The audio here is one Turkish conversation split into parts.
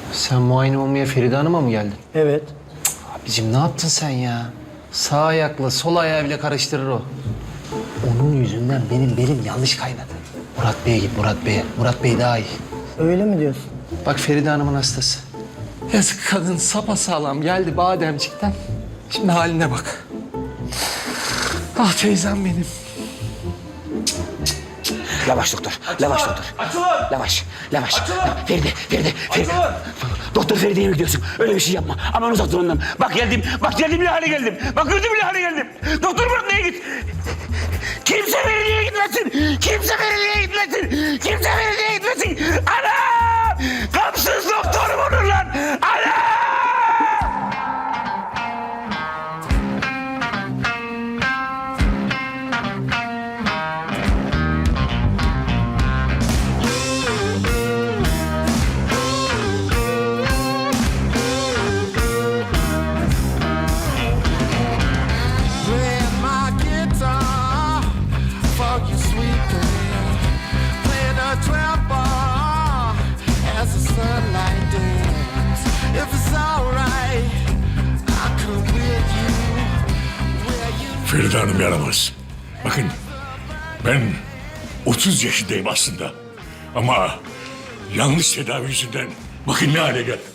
Sen muayene olmaya Feride Hanım'a mı geldin? Evet. Abicim ne yaptın sen ya? Sağ ayakla sol ayağı bile karıştırır o. Onun yüzünden benim belim yanlış kaynadı. Murat Bey'e git, Murat Bey'e. Murat Bey daha iyi. Öyle mi diyorsun? Bak Feride Hanım'ın hastası. Yazık kadın sapasağlam geldi bademcikten. Şimdi haline bak. Ah teyzem benim. Yavaş doktor, yavaş doktor. Açılın! Yavaş, yavaş. Açılın! Feride, Feride. Açılın! Doktor Feride'ye mi gidiyorsun? Öyle bir şey yapma. Aman uzak dur ondan. Bak geldim bile hale geldim. Bak gördüm bile hale geldim. Doktor Murat neye git? Kimse Feride'ye gitmesin. Kimse Feride'ye gitmesin. Kimse Feride'ye gitmesin. Ana! Kapsız doktorum olur lan. Ana! Play my guitar for you, sweet girl. Play the 12 bar as the sunlight dance. If it's alright, I'll come with you. Where you Feride Hanım yaramaz. Bakın ben 30 yaşındayım aslında. Ama yanlış tedavi yüzünden bakın ne hale geldim.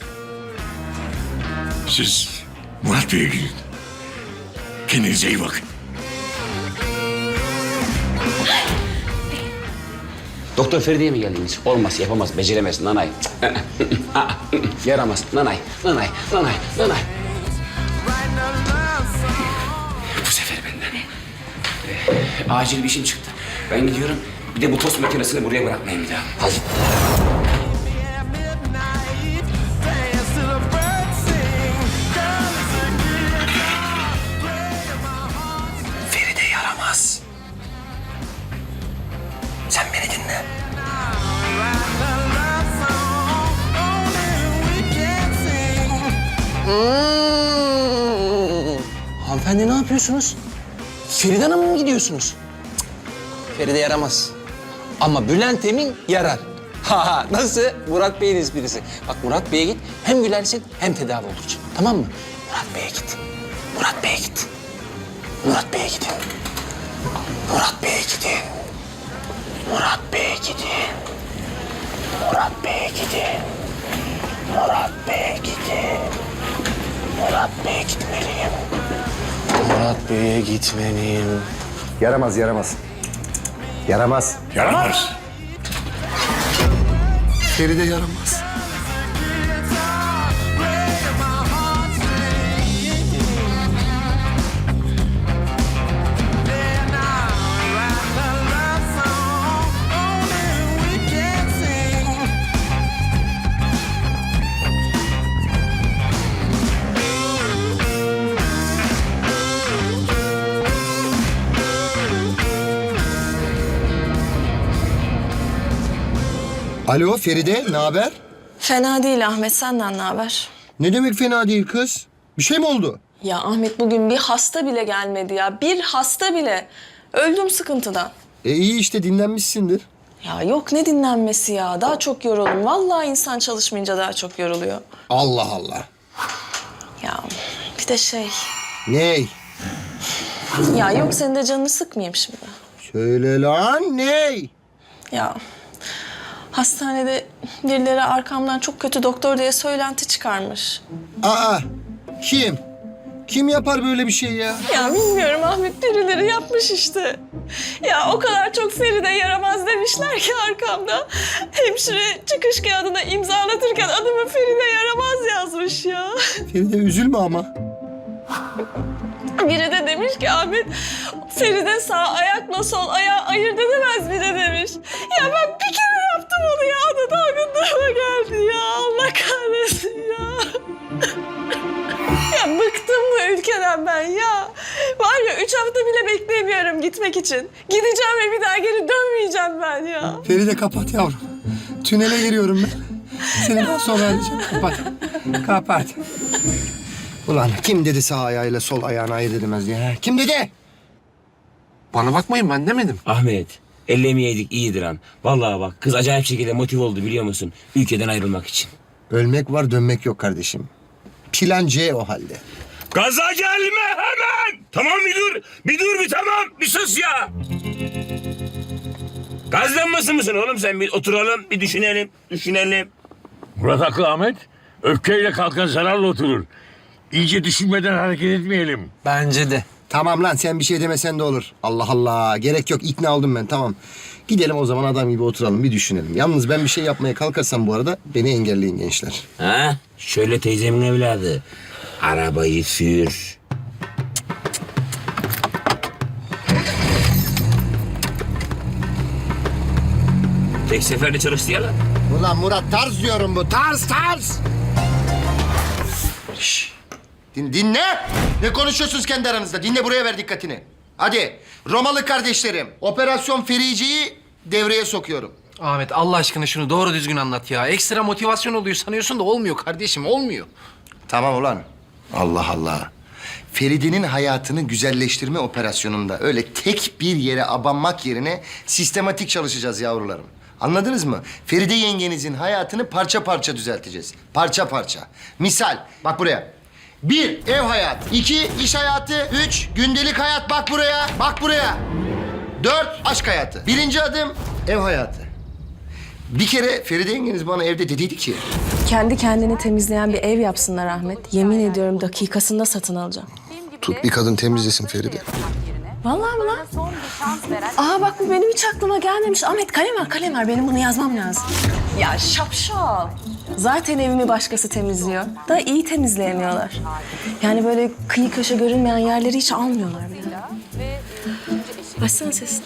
Siz Murat Bey'e gidin. Kendinize iyi bakın. Doktor Feride'ye mi geldiniz? Olmaz, yapamaz, beceremez. Nanay. Yaramaz. Nanay. writing a love song. Bu sefer benden. Acil bir işim çıktı. Ben gidiyorum. Bir de bu tost makinesini buraya bırakmayın bir daha. Hadi. At midnight, dance to the birds sing. Girl, it's a guitar, play my heart. Feride yaramaz. Sen beni dinle. Writing a love song, only we can sing. Hanımefendi ne yapıyorsunuz? Feride Hanım'a mı gidiyorsunuz? Cık, Feride yaramaz. Ama Bülent Emin yarar. Ha nasıl? Murat Bey'in esprisi. Bak Murat Bey'e git hem gülersin hem tedavi olursun. Tamam mı? Murat Bey'e git. Murat Bey'e git. Murat Bey'e gidin. Murat Bey'e gidin. Murat Bey'e gidin. Murat Bey'e gidin. Murat Bey'e gidin. Murat Bey'e gitmeliyim. Murat Bey'e gitmeliyim. Yaramaz, yaramaz. Yaramaz. Yaramaz. Feride yaramaz. Alo Feride, ne haber? Fena değil Ahmet, senden ne haber? Ne demek fena değil kız? Bir şey mi oldu? Ya Ahmet bugün bir hasta bile gelmedi ya. Bir hasta bile. Öldüm sıkıntıdan. İyi işte dinlenmişsindir. Ya yok ne dinlenmesi ya. Daha çok yoruldum. Vallahi insan çalışmayınca daha çok yoruluyor. Allah Allah. Ya bir de şey. Ney? Ya yok senin de canını sıkmayayım şimdi. Söyle lan ney? Ya hastanede birileri arkamdan çok kötü doktor diye söylenti çıkarmış. Aa, kim? Kim yapar böyle bir şey ya? Ya bilmiyorum Ahmet, birileri yapmış işte. Ya o kadar çok Feride yaramaz demişler ki arkamda. Hemşire çıkış kağıdına imzalatırken adımı Feride yaramaz yazmış ya. Feride üzülme ama. Biri de demiş ki Ahmet, Feride sağ ayakla sol ayağı ayırt edemez biri demiş. Ya ben bir kere yaptım onu ya, o da dalgınlığıma geldi ya. Allah kahretsin ya. Ya bıktım bu ülkeden ben ya. Var ya 3 hafta bile bekleyemiyorum gitmek için. Gideceğim ve bir daha geri dönmeyeceğim ben ya. Feride kapat yavrum. Tünele giriyorum ben. Seni daha sonra arayacağım. Kapat. Kapat. Ulan kim dedi sağ ayağıyla sol ayağını ayırt edemez diye? Kim dedi? Bana bakmayın ben demedim. Ahmet, ellemeyeydik iyidir han. Vallahi bak kız acayip şekilde motive oldu biliyor musun? Ülkeden ayrılmak için. Ölmek var, dönmek yok kardeşim. Plan C o halde. Gaza gelme hemen. Tamam bir tamam. Bir sus ya. Gazlanması mısın oğlum sen? Bir oturalım, bir düşünelim. Murat haklı Ahmet. Öfkeyle kalkan zararla oturur. İyice düşünmeden hareket etmeyelim. Bence de. Tamam lan sen bir şey demesen de olur. Allah Allah. Gerek yok. İkna oldum ben. Tamam. Gidelim o zaman adam gibi oturalım. Bir düşünelim. Yalnız ben bir şey yapmaya kalkarsam bu arada beni engelleyin gençler. Ha? Şöyle teyzemin evladı. Arabayı sür. Tek seferde çalıştı ya lan. Ulan Murat tarz diyorum bu. Tarz. Şşş. Dinle. Ne konuşuyorsunuz kendi aranızda? Dinle, buraya ver dikkatini. Hadi Romalı kardeşlerim. Operasyon Ferici'yi devreye sokuyorum. Ahmet Allah aşkına şunu doğru düzgün anlat ya. Ekstra motivasyon oluyor sanıyorsun da olmuyor kardeşim, olmuyor. Tamam ulan. Allah Allah. Feride'nin hayatını güzelleştirme operasyonunda öyle tek bir yere abanmak yerine sistematik çalışacağız yavrularım. Anladınız mı? Feride yengenizin hayatını parça parça düzelteceğiz. Parça parça. Misal, bak buraya. 1. Ev hayatı. 2. İş hayatı. 3. Gündelik hayat. Bak buraya. Bak buraya. 4. Aşk hayatı. 1. adım ev hayatı. Bir kere Feride yengeniz bana evde dediydi ki... Kendi kendini temizleyen bir ev yapsınlar Ahmet. Yemin ediyorum dakikasında satın alacağım. Tut bir kadın temizlesin Feride. Vallahi mi lan? Aa bak bu benim hiç aklıma gelmemiş. Ahmet kalem ver. Benim bunu yazmam lazım. Ya şapşal. Zaten evimi başkası temizliyor. Da iyi temizleyemiyorlar. Yani böyle kıyı köşe görünmeyen yerleri hiç almıyorlar bile. Açsana sesini.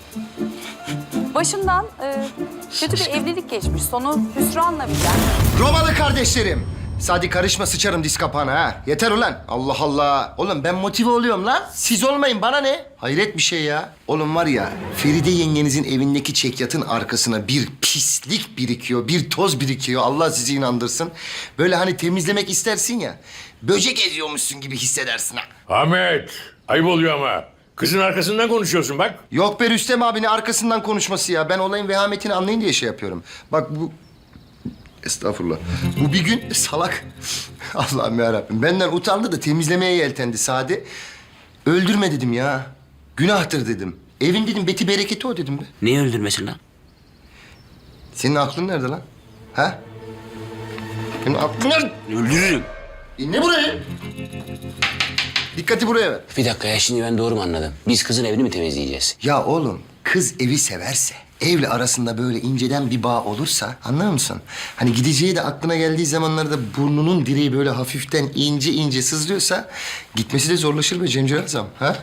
Başımdan kötü bir evlilik geçmiş. Sonu hüsranla biten. Romalı kardeşlerim. Sadi karışma, sıçarım diz kapağına ha. Yeter ulan. Allah Allah. Oğlum ben motive oluyorum lan. Siz olmayın, bana ne? Hayret bir şey ya. Oğlum var ya, Feride yengenizin evindeki çekyatın arkasına bir pislik birikiyor, bir toz birikiyor. Allah sizi inandırsın. Böyle hani temizlemek istersin ya, böcek eziyormuşsun gibi hissedersin ha. Ahmet, ayıp oluyor ama. Kızın arkasından konuşuyorsun bak. Yok be Rüstem abinin arkasından konuşması ya. Ben olayın vehametini anlayın diye şey yapıyorum. Bak bu... Estağfurullah. Bu bir gün salak. Allah'ım yarabbim. Benden utandı da temizlemeye yeltendi Sadi. Öldürme dedim ya. Günahtır dedim. Evin dedim beti bereketi o dedim be. Niye öldürmesin lan? Senin aklın nerede lan? Ha? Senin aklın nerede? Öldürürüm. Dinle burayı. Dikkati buraya ver. Bir dakika ya, şimdi ben doğru mu anladım? Biz kızın evini mi temizleyeceğiz? Ya oğlum, kız evi severse, evle arasında böyle inceden bir bağ olursa, anlar mısın? Hani gideceği de aklına geldiği zamanlarda burnunun direği böyle hafiften ince ince sızlıyorsa... ...gitmesi de zorlaşır be Cemcir Azam, ha?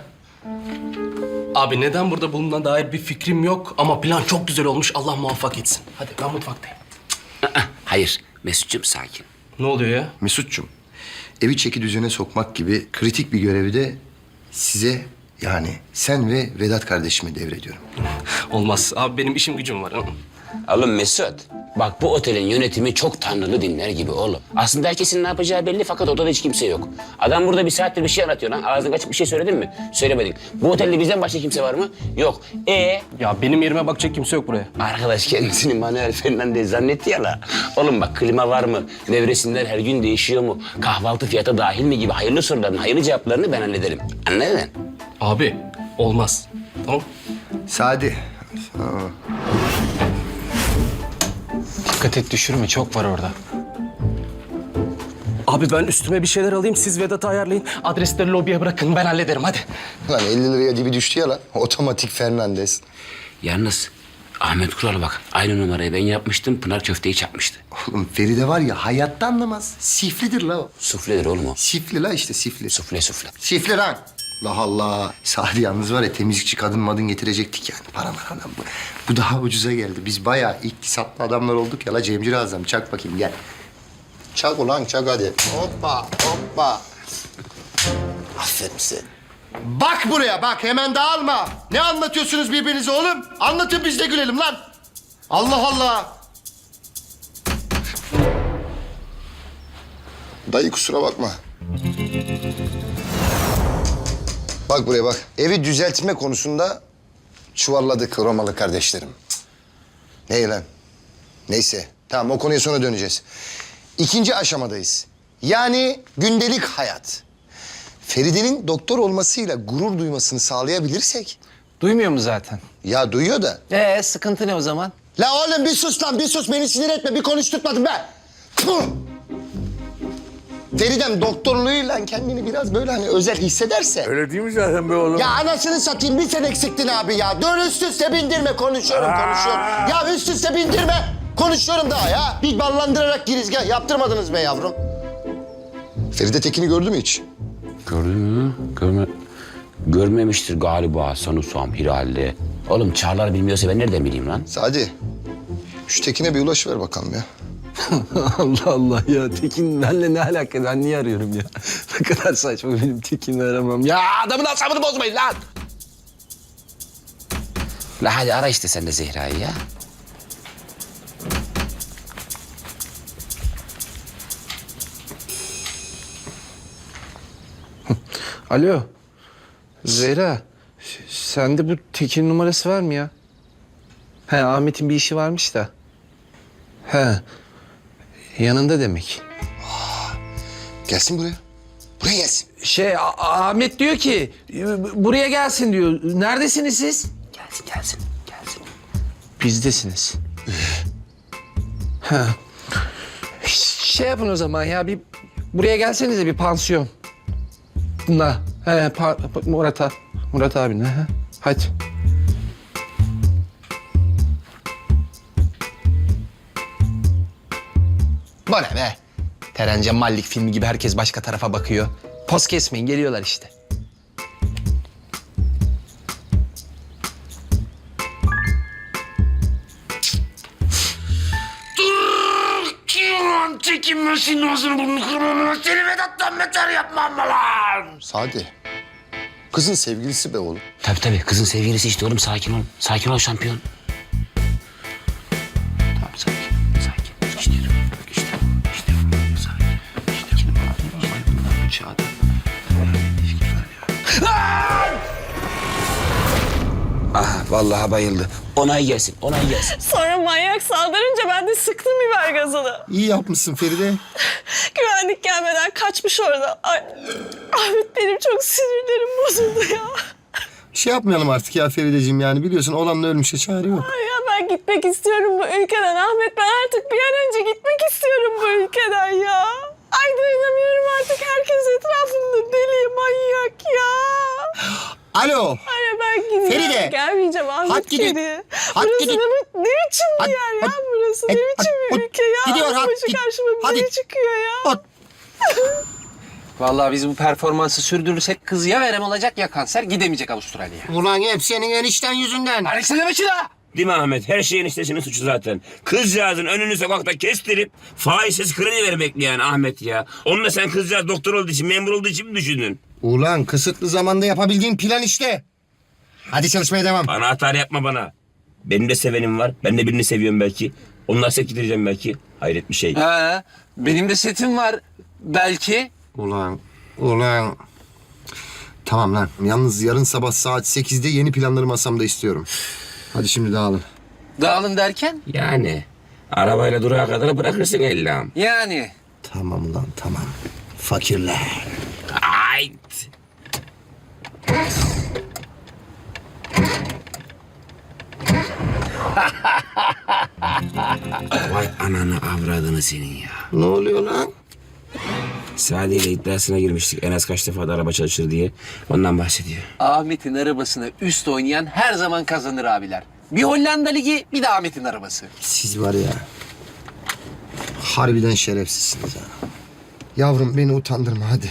Abi neden burada bulunan dair bir fikrim yok ama plan çok güzel olmuş. Allah muvaffak etsin. Hadi ben mutfaktayım. Hayır, Mesut'cum sakin. Ne oluyor ya? Mesut'cum, evi çeki düzene sokmak gibi kritik bir görevi de size... ...yani sen ve Vedat kardeşime devrediyorum. Olmaz. Abi benim işim gücüm var. Oğlum Mesut, bak bu otelin yönetimi çok tanrılı dinler gibi oğlum. Aslında herkesin ne yapacağı belli fakat odada hiç kimse yok. Adam burada bir saattir bir şey anlatıyor lan. Ağzını açıp bir şey söyledin mi? Söylemedin. Bu otelde bizden başka kimse var mı? Yok. Ya benim yerime bakacak kimse yok buraya. Arkadaş kendisini Manuel Fernandez zannetti ya la. Oğlum bak klima var mı? Nevresimler her gün değişiyor mu? Kahvaltı fiyata dahil mi gibi hayırlı soruların hayırlı cevaplarını ben hallederim. Anladın? Abi olmaz. Tamam. Sadi. Dikkat et düşürme, çok var orada. Abi ben üstüme bir şeyler alayım. Siz Vedat'ı ayarlayın. Adresleri lobiye bırakın. Ben hallederim hadi. Lan 50 liraya dibi düştü ya lan. Otomatik Fernandez. Yalnız Ahmet Kural bak aynı numarayı ben yapmıştım. Pınar köfteyi çakmıştı. Oğlum Feride var ya hayatta anlamaz. Siflidir la o. Sufledir oğlum o. Sifli la işte sifli. Sufle. Sifli lan. Allah Allah. Sadi yalnız var ya temizlikçi kadın madın getirecektik yani. Para lan bu. Bu daha ucuza geldi. Biz bayağı iktisatlı adamlar olduk ya la Cemcir Azam. Çak bakayım gel. Çak ulan çak hadi. Hoppa. Aferin sen. Bak buraya bak hemen dağılma. Ne anlatıyorsunuz birbirinize oğlum? Anlatın biz de gülelim lan. Allah Allah. Dayı kusura bakma. Bak buraya bak. Evi düzeltme konusunda çuvalladık Romalı kardeşlerim. Ne lan? Neyse. Tamam o konuya sonra döneceğiz. İkinci aşamadayız. Yani gündelik hayat. Feride'nin doktor olmasıyla gurur duymasını sağlayabilirsek... Duymuyor mu zaten? Ya duyuyor da. Sıkıntı ne o zaman? La oğlum bir sus lan, bir sus. Beni sinir etme. Bir konuşturtmadın be. Tüh! Feridem doktorluğuyla kendini biraz böyle hani özel hissederse... Öyle değil mi zaten be oğlum? Ya anasını satayım, bir sen eksiktin abi ya. Dur üst üste bindirme, konuşuyorum. Ya üst üste bindirme. Konuşuyorum daha ya. Bir ballandırarak girizgah yaptırmadınız be yavrum. Feride Tekin'i gördü mü hiç? Gördün mü? Görmemiştir galiba sanırsam Hiral'de. Oğlum Çağlar bilmiyorsa ben nereden bileyim lan? Sadi, şu Tekin'e bir ulaşıver bakalım ya. Allah Allah ya. Tekin benimle ne alaka? Ben niye arıyorum ya? Ne kadar saçma benim Tekin'i aramam. Ya adamın asabını bozmayın lan. La hadi ara işte sen de Zehra'yı ya. Alo. Zehra. Sende bu Tekin numarası var mı ya? He, Ahmet'in bir işi varmış da. He. Yanında demek. Gelsin buraya. Buraya gelsin. Ahmet diyor ki buraya gelsin diyor. Neredesiniz siz? Gelsin. Bizdesiniz. Ha. Yapın o zaman ya, bir buraya gelsenize, bir pansiyon. Murat abin. Hadi. Bu ne be? Terence Mallik filmi gibi herkes başka tarafa bakıyor. Poz kesmeyin, geliyorlar işte. Çekinmesin ağzını burnunu kırmamı. Seni Vedat'tan beter yapmam mı lan? Sadi, kızın sevgilisi be oğlum. Tabii kızın sevgilisi işte oğlum, sakin ol. Sakin ol şampiyon. Tamam sakin. İşte sakin. Bu çağda. Vallahi bayıldı. Onay gelsin. Sonra manyak saldırınca ben de sıktım biber gazını. İyi yapmışsın Feride. Güvenlik gelmeden kaçmış orada. Ay, Ahmet benim çok sinirlerim bozuldu ya. Şey yapmayalım artık ya Ferideciğim, yani biliyorsun olanla ölmüşe çare yok. Ay ya ben gitmek istiyorum bu ülkeden Ahmet. Ben artık bir an önce gitmek istiyorum bu ülkeden ya. Ay dayanamıyorum artık. Herkes etrafımda deli, manyak ya. Alo. Ay ya ben gideceğim. Feride. Gelmeyeceğim Ahmet Hadi gidin. geri. Hadi Burası gidin. ne biçim bir Hadi, yer ya hadi. burası. Ne Hadi, biçim bir hadi. ülke ya. Gidiyor, hadi, Başı git. karşıma bir Hadi. deli çıkıyor ya. Hadi. Vallahi biz bu performansı sürdürürsek kız ya verem olacak ya kanser, gidemeyecek Avustralya'ya. Ulan hep senin enişten yüzünden. Alex'e demek la. Değil mi Ahmet? Her şeyin eniştesinin suçu zaten. Kızcağızın önünü sokakta kestirip faizsiz kredi vermek yani Ahmet ya. Onu da sen kızcağız doktor olduğu için, memur olduğu için mi düşündün? Ulan kısıtlı zamanda yapabildiğin plan işte. Hadi çalışmaya devam. Bana hata yapma bana. Benim de sevenim var. Ben de birini seviyorum belki. Onunla set gideceğim belki. Hayret bir şey. He, benim de setim var belki. Ulan. Tamam lan. Yalnız yarın sabah saat 8'de yeni planları masamda istiyorum. Hadi şimdi dağılın. Dağılın derken? Yani arabayla durağa kadar bırakırsın ellam. Yani. Tamam lan tamam. Fakirler. Ayt. Vay ananı avradını senin ya. Ne oluyor lan? Sadi ile iddiasına girmiştik. En az kaç defa da araba çalışır diye. Ondan bahsediyor. Ahmet'in arabasına üst oynayan her zaman kazanır abiler. Bir Hollanda Ligi, bir de Ahmet'in arabası. Siz var ya. Harbiden şerefsizsiniz ha. Yavrum beni utandırma hadi.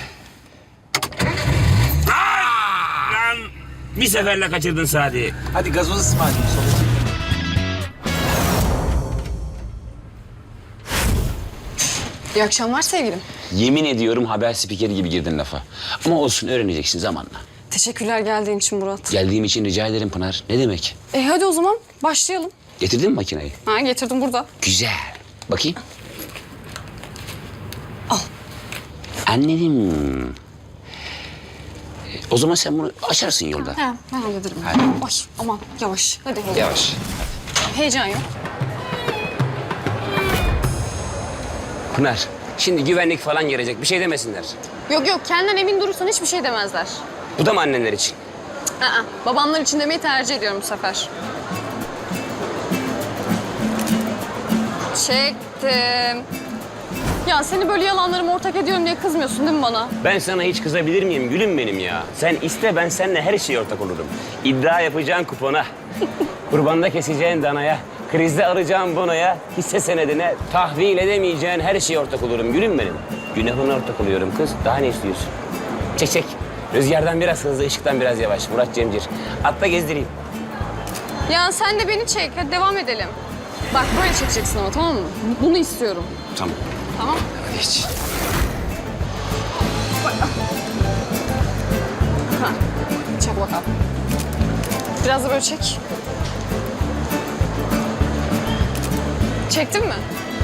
Lan bir seferle kaçırdın Sadi. Hadi gazoz ısmarlayayım sonra. İyi akşamlar sevgilim. Yemin ediyorum haber spikeri gibi girdin lafa. Ama olsun, öğreneceksin zamanla. Teşekkürler geldiğin için Murat. Geldiğim için rica ederim Pınar. Ne demek? Hadi o zaman başlayalım. Getirdin mi makineyi? Ha getirdim burada. Güzel. Bakayım. Al. Anladım. O zaman sen bunu açarsın yolda. He ben hallederim. Hadi. Ay aman yavaş. Hadi heyecan. Yavaş. Heyecan yok. Pınar, Şimdi güvenlik falan gelecek. Bir şey demesinler. Yok yok kendinden emin durursan hiçbir şey demezler. Bu da mı annenler için? Babamlar için demeyi tercih ediyorum bu sefer. Çektim. Ya seni böyle yalanlarıma ortak ediyorum diye kızmıyorsun değil mi bana? Ben sana hiç kızabilir miyim gülüm benim ya? Sen iste, ben seninle her şeye ortak olurum. İddia yapacağın kupona, kurbanda keseceğin danaya, krizde alacağın bonoya, hisse senedine, tahvil edemeyeceğin her şeye ortak olurum gülüm benim. Günahına ortak oluyorum kız. Daha ne istiyorsun? Çek çek. Rüzgardan biraz hızlı, ışıktan biraz yavaş. Murat Cemcir. Atla gezdireyim. Ya sen de beni çek. Hadi devam edelim. Bak böyle çekeceksin ama tamam mı? Bunu istiyorum. Tamam. Tamam. Hadi geç. Ha. Çek bakalım. Biraz da böyle çek. Çektin mi?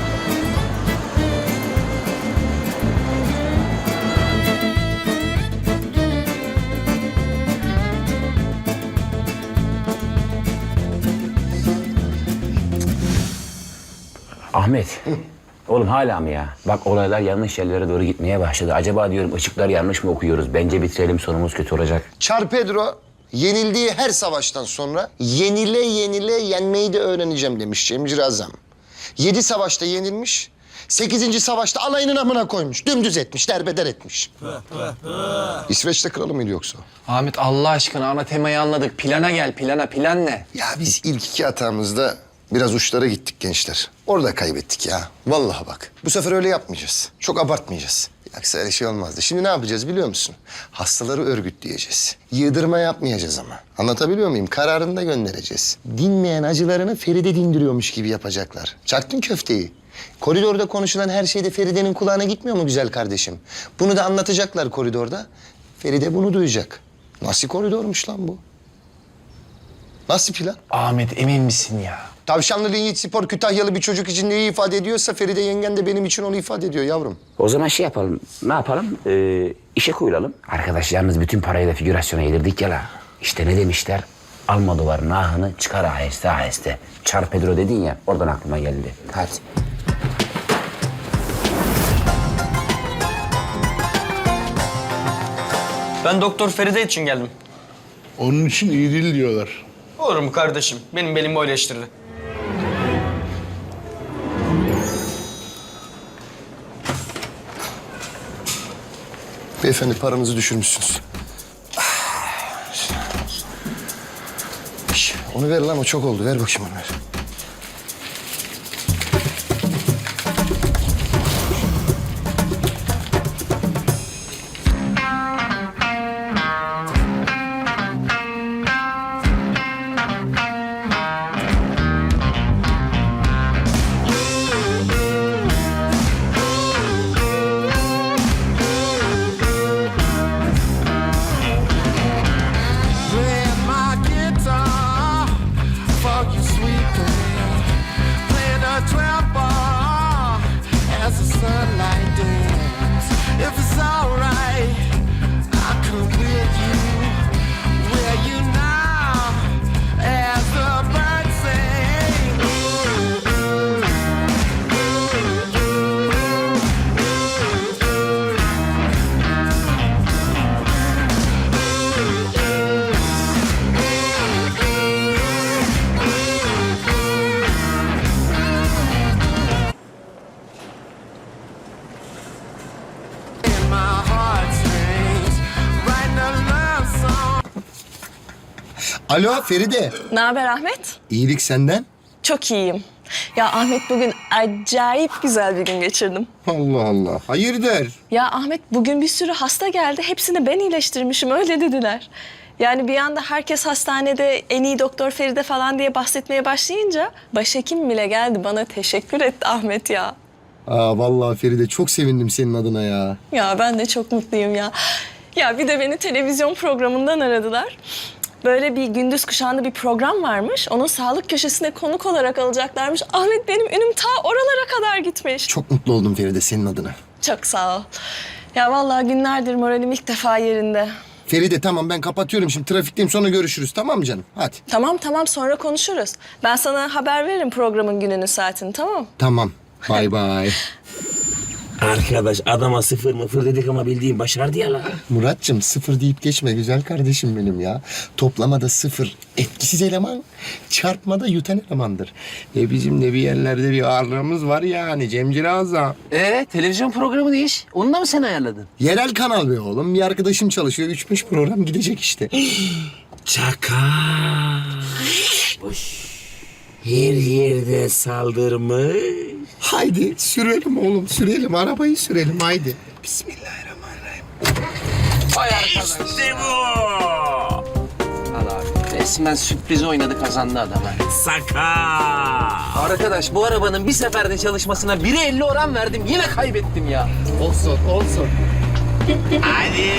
Ahmet. Oğlum hala mı ya? Bak olaylar yanlış yerlere doğru gitmeye başladı. Acaba diyorum ışıklar yanlış mı okuyoruz? Bence bitirelim, sonumuz kötü olacak. Çar Pedro yenildiği her savaştan sonra yenile yenile yenmeyi de öğreneceğim demiş Cemcir Azam. 7 savaşta yenilmiş, 8. savaşta alayının amına koymuş. Dümdüz etmiş, derbeder etmiş. İsveç'te kralı mıydı yoksa? Ahmet Allah aşkına ana temayı anladık. Plana gel, plana. Plan ne? Ya biz ilk 2 hatamızda biraz uçlara gittik gençler. Orada kaybettik ya. Vallahi bak. Bu sefer öyle yapmayacağız. Çok abartmayacağız. Yoksa öyle şey olmazdı. Şimdi ne yapacağız biliyor musun? Hastaları örgütleyeceğiz. Yığdırma yapmayacağız ama. Anlatabiliyor muyum? Kararını da göndereceğiz. Dinmeyen acılarını Feride dindiriyormuş gibi yapacaklar. Çaktın köfteyi. Koridorda konuşulan her şey de Feride'nin kulağına gitmiyor mu güzel kardeşim? Bunu da anlatacaklar koridorda. Feride bunu duyacak. Nasıl koridormuş lan bu? Nasıl plan? Ahmet emin misin ya? Tavşanlı Yiğit Spor Kütahyalı bir çocuk için neyi ifade ediyorsa Feride yengen de benim için onu ifade ediyor yavrum. O zaman şey yapalım. Ne yapalım? İşe koyulalım. Arkadaş yalnız bütün parayı da figürasyona yedirdik ya la. İşte ne demişler? Almodovar'ın ahını çıkar aheste aheste. Çar Pedro dedin ya, oradan aklıma geldi. Hadi. Ben Doktor Feride için geldim. Onun için iyi değil diyorlar. Olur mu kardeşim? Benim belim böyle eleştirdi. Beyefendi paranızı düşürmüşsünüz. Onu ver lan o çok oldu. Ver bakayım onu ver. Play my guitar for you, sweet girl. Playing a 12 bar as the sunlight dance. If it's alright, I'll come with you. Where you now as the birds sing. In my heartstrings, writing a love song. Alo Feride. Ne haber Ahmet? İyilik senden. Çok iyiyim. Ya Ahmet bugün acayip güzel bir gün geçirdim. Allah Allah. Hayırdır? Ya Ahmet bugün bir sürü hasta geldi. Hepsini ben iyileştirmişim öyle dediler. Yani bir anda herkes hastanede en iyi doktor Feride falan diye bahsetmeye başlayınca başhekim bile geldi bana teşekkür etti Ahmet ya. Aa vallahi Feride çok sevindim senin adına ya. Ya ben de çok mutluyum ya. Ya bir de beni televizyon programından aradılar. Böyle bir gündüz kuşağında bir program varmış. Onun sağlık köşesine konuk olarak alacaklarmış. Ahmet benim önüm ta oralara kadar gitmiş. Çok mutlu oldum Feride senin adına. Çok sağ ol. Ya vallahi günlerdir moralim ilk defa yerinde. Feride tamam ben kapatıyorum şimdi trafikteyim sonra görüşürüz tamam mı canım? Hadi. Tamam sonra konuşuruz. Ben sana haber veririm programın gününü saatini tamam? Tamam. Bay bay. Arkadaş adama sıfır mıfır dedik ama bildiğin başardı ya lan. Muratcığım sıfır deyip geçme güzel kardeşim benim ya. Toplamada sıfır etkisiz eleman, çarpmada yutan elemandır. Bizim de bir yerlerde bir ağırlığımız var yani Cemcir Azam. Televizyon programı ne iş? Onu da mı sen ayarladın? Yerel kanal be oğlum. Bir arkadaşım çalışıyor. 3-5 program gidecek işte. Çaka. Her yerde saldırmış. Haydi sürelim oğlum sürelim. Arabayı sürelim haydi. Bismillahirrahmanirrahim. Vay arkadaş. İşte bu. Al abi. Resmen sürpriz oynadı kazandı adam ha. Saka. Arkadaş bu arabanın bir seferde çalışmasına 1'e 50 oran verdim. Yine kaybettim ya. Olsun. Hadi.